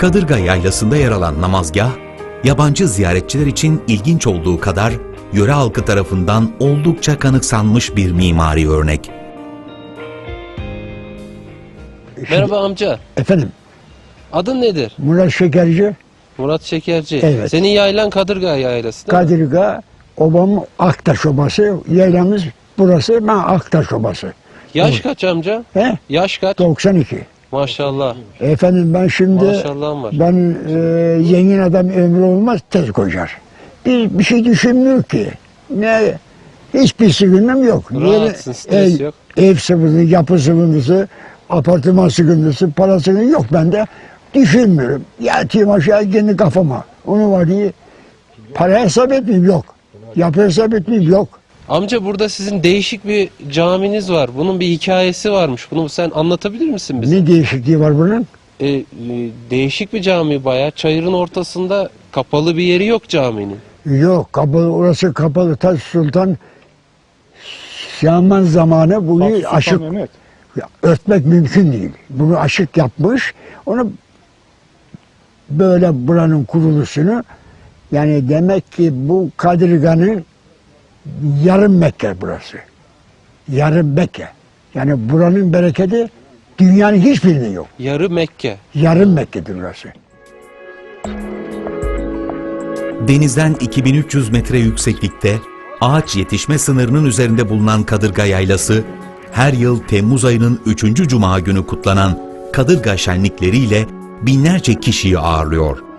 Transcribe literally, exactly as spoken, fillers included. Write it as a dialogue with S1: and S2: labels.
S1: Kadırga Yaylası'nda yer alan namazgah, yabancı ziyaretçiler için ilginç olduğu kadar yöre halkı tarafından oldukça kanıksanmış bir mimari örnek.
S2: Merhaba amca.
S3: Efendim,
S2: Adın nedir?
S3: Murat Şekerci,
S2: Murat Şekerci.
S3: Evet.
S2: Senin yaylan Kadırga yaylası değil mi?
S3: Kadırga, obam Aktaş Obası, yaylamız burası, ben Aktaş Obası.
S2: Yaş kaç amca?
S3: He?
S2: Yaş kaç?
S3: doksan iki.
S2: Maşallah.
S3: Efendim ben şimdi,
S2: Maşallahım var.
S3: ben e, zengin adam ömrü olmaz, tez koşar. Bir, bir şey düşünmüyor ki. Ne, hiçbir sıkıntım yok.
S2: Rahatsın,
S3: Yeri-
S2: stres
S3: ev,
S2: yok.
S3: Ev sıkıntısı, yapı sıkıntısı, apartman sıkıntısı, para sıkıntısı yok bende. Düşünmüyorum. Yatayım aşağı kendi kafama. Onu var diye para hesap etmeyeyim, yok. Yapı hesap etmeyeyim, yok.
S2: Amca burada sizin değişik bir caminiz var. Bunun bir hikayesi varmış. Bunu sen anlatabilir misin bize?
S3: Ne değişikliği var bunun?
S2: E, e, değişik bir cami bayağı. Çayırın ortasında kapalı bir yeri yok caminin.
S3: Yok, kapalı, orası kapalı. Taş Sultan Şaman zamanı bunu aşık ya, örtmek mümkün değil. Bunu aşık yapmış. Onu böyle buranın kuruluşunu, yani demek ki bu Kadırga'nın yarım Mekke burası. Yarım Mekke. Yani buranın bereketi dünyanın hiçbirinde yok.
S2: Yarı Mekke.
S3: Yarım Mekke'dir burası.
S1: Denizden iki bin üç yüz metre yükseklikte, ağaç yetişme sınırının üzerinde bulunan Kadırga Yaylası, her yıl Temmuz ayının üçüncü Cuma günü kutlanan Kadırga şenlikleriyle binlerce kişiyi ağırlıyor.